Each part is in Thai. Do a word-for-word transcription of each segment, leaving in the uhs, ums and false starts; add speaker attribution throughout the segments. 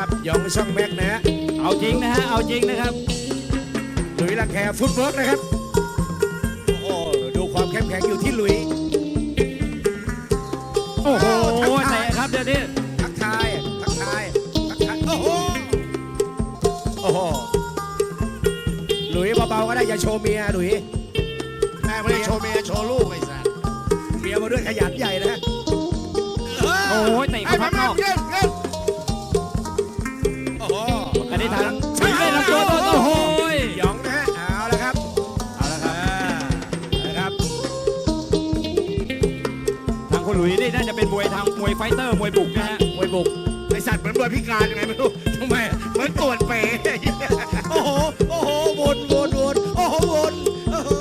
Speaker 1: ครับยองช่องแม็กนะฮะ
Speaker 2: เอาจริงนะฮะเอาจริงนะครับ
Speaker 1: หลุยลังแคฟุตเวิร์กนะครับโอ้ดูความเข้มแข็งอยู่ที่หลุย
Speaker 2: โอ้โหเตะครับเดี๋ยวนี้
Speaker 1: ทักทายทักทายทักทายโอ้โหโอ้โหหลุยเบาๆก็ได้อย่าโชว์เมียหลุย
Speaker 3: แม่ไม่ได้โชว์เมียโชว์ลูกไอ้สัส
Speaker 1: เมียมาด้วยขยันใหญ่นะ
Speaker 2: โอ้ยเตะเข้าพักนอก
Speaker 1: โอ้โห
Speaker 2: อันนี้ทางไม่ได้ลำตัวโอ้โห
Speaker 1: ยองนะฮะเอาละครับ
Speaker 2: เอาละครับ
Speaker 1: นะครับ
Speaker 2: ทางคุณหลุยนี่น่าจะเป็นมวยทางมวยไฟเตอร์มวยบุกนะฮะ
Speaker 1: มวยบุก
Speaker 3: ไอสัตว์เหมือนมวยพิการยังไงไม่รู้
Speaker 1: ทำไม
Speaker 3: เหมือนตรวจเป๋
Speaker 1: โอ้โหโอ้โหวนวนวนโอ้โหวนโอ้โห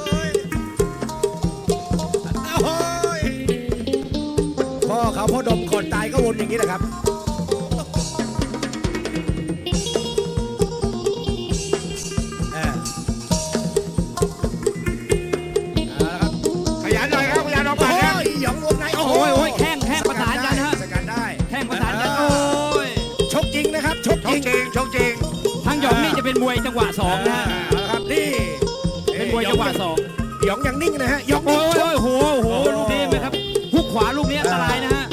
Speaker 1: โอ้โหพ่อเขาพ่อดมก่อนตายก็วนอย่างนี้แหละครับ
Speaker 3: ขยันหน่อยครับขยันออกมาครับ
Speaker 1: หยองวงในโอ้โห
Speaker 2: โอ้ยแข้งแข้งประสานกันฮะ
Speaker 1: สกัดได้
Speaker 2: แข้งประสานกันโอ้ย
Speaker 1: ชกจริงนะครับชกจริง
Speaker 3: ชกจริง
Speaker 2: ทางหยองนี่จะเป็นมวยจังหวะสองนะฮะ
Speaker 1: ครับนี่
Speaker 2: เป็นมวยจังหวะสอง
Speaker 1: หยองยังนิ่งนะฮะหยอง
Speaker 2: โอ้ยโอ้โหโอ้โหลูกนี้ไหมครับฮุกขวาลูกนี้อันตรายนะฮะ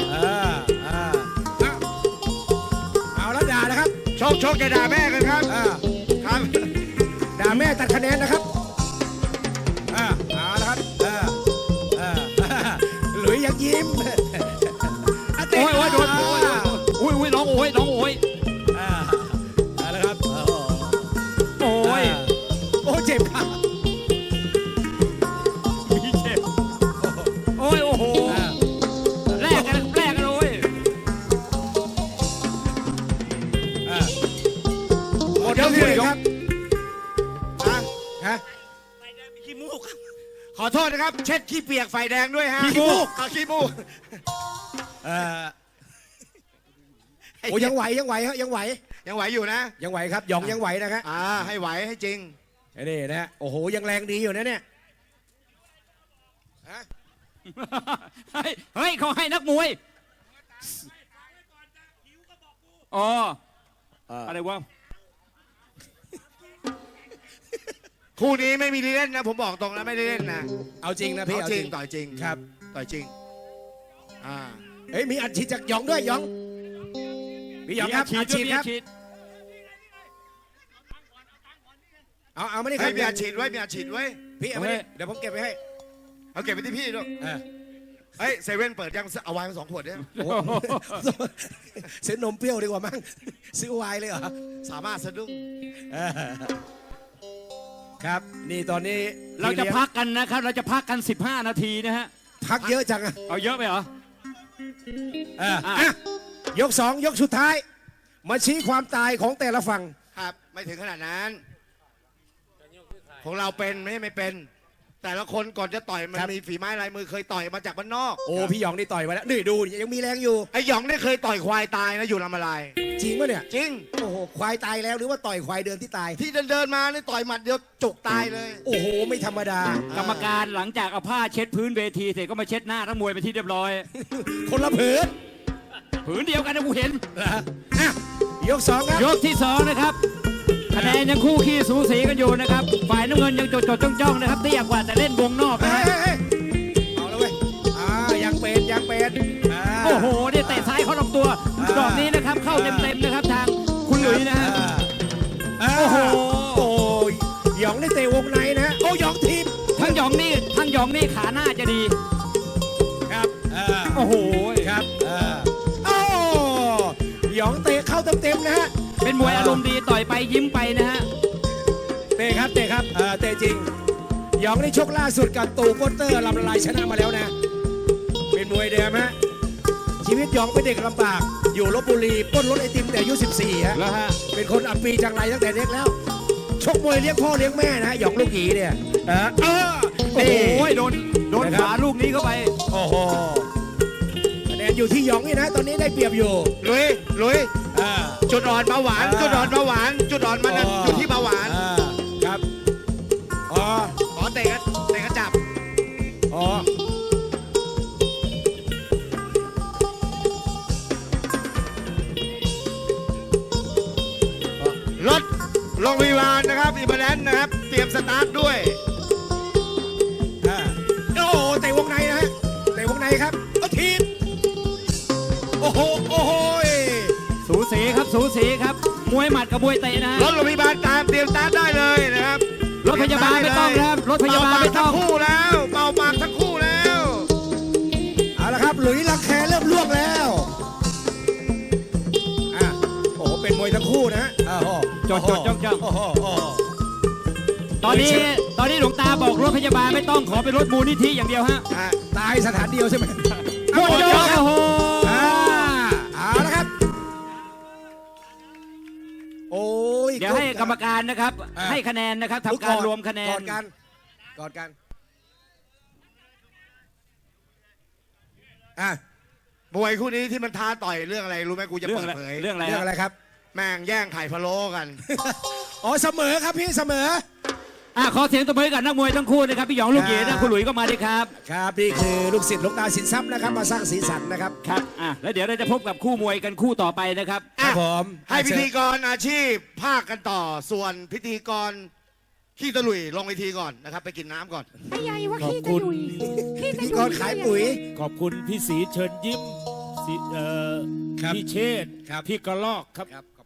Speaker 1: เอาแล้วด่านะครับ
Speaker 3: ชกชกจะด่าแม่กันครับ
Speaker 1: ครับด่าแม่ตัดคะแนนนะครับเอาละครับหลุยยังยิ้ม
Speaker 2: โอ้ยโอ้ยโดนโอ้ยโอ้ยน้องโอ้ยน้องโอ้ย
Speaker 1: เอาละครับ
Speaker 2: โอ้ย
Speaker 1: โอ้เจ็บครับ
Speaker 2: มีเจ็บโอ้ยโอ้โหแลกกันแลกกันโอ้ย
Speaker 1: หมดแล้วเลยครับฮะ
Speaker 3: ขี้มูกขอโทษนะครับเช็ดขี้เปียกไฟแดงด้วยฮะ
Speaker 1: ขี้มูก
Speaker 3: ขี้มูก
Speaker 1: โอ้ยังไหวยังไหวฮะยังไหว
Speaker 3: ยังไหวอยู่นะ
Speaker 1: ยังไหวครับหยองยังไหวนะครับ
Speaker 3: อ่าให้ไหวให้จริง
Speaker 1: นี่นะโอ้โหยังแรงดีอยู่นะเนี่ย
Speaker 2: เฮ้ยเฮ้ยเขาให้นักมวยอ๋ออะไรวะ
Speaker 3: คู่นี้ไม่มีเล่นนะผมบอกตรงนะไม่ได้เล่นนะ
Speaker 1: เอาจริงนะพี่
Speaker 3: เอาจริงต่อยจริง
Speaker 1: ครับ
Speaker 3: ต่อยจริงอ่า
Speaker 1: เฮ้ยมีอัดฉีดจากหยองด้วยหยองพี่หยองครับอัดฉีดครับเอาเอาไม่ได้ครับ
Speaker 3: มีอัดฉีดไว้มีอัดฉีดไว้
Speaker 1: พี่เอาไม่ได้เดี๋ยวผมเก็บไปให้
Speaker 3: เอาเก็บไปที่พี่ด้วยเฮ้ยเซเว่นเปิดยังเอาไวน์มาสองขวดเนี่ย
Speaker 1: ซื้อนมเปรี้ยวดีกว่ามั้งซื้อไวน์เลยเหรอ
Speaker 3: สามารถสะดุ้ง
Speaker 1: ครับนี่ตอนนี้
Speaker 2: เราจะพักกันนะครับเราจะพักกันสิบห้านาทีนะฮะ
Speaker 1: พักเยอะจังอะ
Speaker 2: เอาเยอะไปเหรอ
Speaker 1: ยกสองยกสุดท้ายมาชี้ความตายของแต่ละฝั่ง
Speaker 3: ครับไม่ถึงขนาดนั้นของเราเป็นไม่ไม่เป็นแต่ละคนก่อนจะต่อยมันมีฝีไม้ลายมือเคยต่อยมาจากบ้านนอก
Speaker 1: โอ้พี่หยองนี่ต่อยมาแล้วนี่ดูยังมีแรงอยู่
Speaker 3: ไอ้หยองนี่เคยต่อยควายตายนะอยู่ลำอะไร
Speaker 1: จริงปะเนี่ย
Speaker 3: จริง
Speaker 1: โอ้โหควายตายแล้วหรือว่าต่อยควายเดินที่ตาย
Speaker 3: ที่เดินเดินมานี่ต่อยหมัดเดียวจุกตายเลย
Speaker 1: โอ้โหไม่ธรรมดาก
Speaker 2: รรมการหลังจากเอาผ้าเช็ดพื้นเวทีเสร็จก็มาเช็ดหน้าทั้งมวยไปที่เรียบร้อย
Speaker 1: คนละผืน
Speaker 2: ผืนเดียวกันนะกูเห็น
Speaker 1: ยกสองครับ
Speaker 2: ยกที่สองนะครับคะแนนยังคู่ขี้สูสีกันอยู่นะครับฝ่ายน้ำเงินยังจดจดจ้องจ้องนะครับเตี้ยกว่าแต่เล่นวงนอกนะฮะ
Speaker 1: เอาแล้วเว้ยอ่ายังเป็นยังเป็น
Speaker 2: โอ้โหเนี่ยเตะซ้ายเข้าลำตัวดอกนี้นะครับเข้าเต็มเต็มนะครับทางคุณหลุยนะฮะ
Speaker 1: โอ้โหโอ้ยหยองได้เตะวงในนะโอ้หยองทีม
Speaker 2: ทั้งหยองนี่ทั้งหยองนี่ขาหน้าจะดี
Speaker 1: ครับ
Speaker 2: โอ้โห
Speaker 1: ครับโอ้หยองเตะเข้าเต็มเต็มนะฮะ
Speaker 2: เป็นมวยอารมณ์ดีต่อยไปยิ้มไปนะฮะ
Speaker 1: เตะครับเตะครับเตะจริงหยองได้ชกล่าสุดกับตูโปสเตอร์ลำละลายชนะมาแล้วนะเป็นมวยเดิมฮะชีวิตหยองเป็นเด็กลำบากอยู่ลพบุรีปล้นรถไอติมแต่อายุสิบสี่ฮะ
Speaker 2: แล้วฮะ
Speaker 1: เป็นคนอับปีจังไรตั้งแต่เด็กแล้วชกมวยเลี้ยงพ่อเลี้ยงแม่นะฮะหยองลูกหยีเนี่ยเออ
Speaker 2: โอ้โหโดนโดนขาลูกนี้เข้าไป
Speaker 1: โอ้โหคะแนนอยู่ที่หยองนี่นะตอนนี้ได้เปรียบอยู่
Speaker 3: ลุยลุยจุดอ่อนเบาหวานจุดอ่อนเบาหวานจุดอ่อนมันอยู่ที่เบาหวาน
Speaker 1: ครับอ๋อ
Speaker 3: ขอเตะกันเตะกันจับ
Speaker 1: อ๋อ
Speaker 3: โรงพยาบาลนะครับอิมแลนนะครับ เตรียมสตาร์ทด้วย
Speaker 1: อ่าโอ้โหเตะวงในนะฮะเตะวงในครับก็ทีบโอ้โหโอ้โห
Speaker 2: สูสีครับสูสีครับมวยหมัดกับมวยเตะนะ
Speaker 3: รถโรงพยาบาลตามเตรียมสตาร์ทได้เลยนะครับ
Speaker 2: รถพยาบาลไม่ต้องครับรถพยาบาลไม่ต้อง
Speaker 3: เป่ปากทั้งคู่แล้วเป่าปากทั้งคู่แล้ว
Speaker 1: เอาละครับหลุยส์ลังแคเริ่มลวกแล้วอ่ะโอ้โหเป็นมวยทั้งคู่นะฮะอ้าวโอ้โห
Speaker 2: จดจดจ้องจ้อง
Speaker 1: โอ้โหโอ้โห
Speaker 2: ตอนนี้ตอนนี้หลวงตาบอกรถพยาบาลไม่ต้องขอเป็นรถมูลนิธิอย่างเดียวฮะ
Speaker 3: อ่ะ
Speaker 1: ตายสถานเดียวใช่ไหม
Speaker 2: หมดยกโอ้โห
Speaker 1: อ่าเอาละครับ โอ้ย
Speaker 2: เดี๋ยวให้กรรมการนะครับ
Speaker 1: อ่า
Speaker 2: ให้คะแนนนะครับ
Speaker 1: ทุ
Speaker 2: ทำการรวมคะแน
Speaker 1: กอน ดกันกอดกันอ่ะ
Speaker 3: มวยคู่นี้ที่มันท้าต่อยเรื่องอะไรรู้ไหมกูจะ
Speaker 2: เรื่อง
Speaker 3: เปิ
Speaker 2: อะ
Speaker 3: ด
Speaker 2: ไร
Speaker 3: เผย
Speaker 2: เรื่องอะไร
Speaker 1: เรื่องอะไรครับ
Speaker 3: แม่งแย่งไข่พะโล้กัน
Speaker 1: อ๋อเสมอครับพี่เสมอ
Speaker 2: อ่ะขอเสียงตบมือให้กับนักมวยทั้งคู่นะครับพี่หยองลูกเหยียนะคุณหลุยก็มาด้วยครับ
Speaker 1: ครับนี่คือลูกศิษย์หลวงตาสินทรัพย์นะครับมาสร้างสีสันนะครับ
Speaker 2: ครับอ่ะแล้วเดี๋ยวเราจะพบกับคู่มวยกันคู่ต่อไปนะครับ
Speaker 1: ครับผม
Speaker 3: ให้พิธีกรอาชีพภาคกันต่อส่วนพิธีกรขี้ตะลุยลงเวทีก่อนนะครับ ไปกินน้ำก่อน
Speaker 4: ไอ้ยายว่า
Speaker 5: ขอบ
Speaker 4: ขี้
Speaker 5: คุ
Speaker 4: ตะ
Speaker 5: ณ
Speaker 4: ลุยขี้
Speaker 1: พิ
Speaker 4: ตะ
Speaker 1: ธี
Speaker 4: ลุ
Speaker 1: กรขายปุ๋ย
Speaker 5: ขอบคุณพี่สีเชิญยิ้มสีเอ่อ
Speaker 1: ครับ
Speaker 5: พี่เชษฐ์
Speaker 1: ครับ
Speaker 5: พี่กระลอกครับ
Speaker 1: ครับ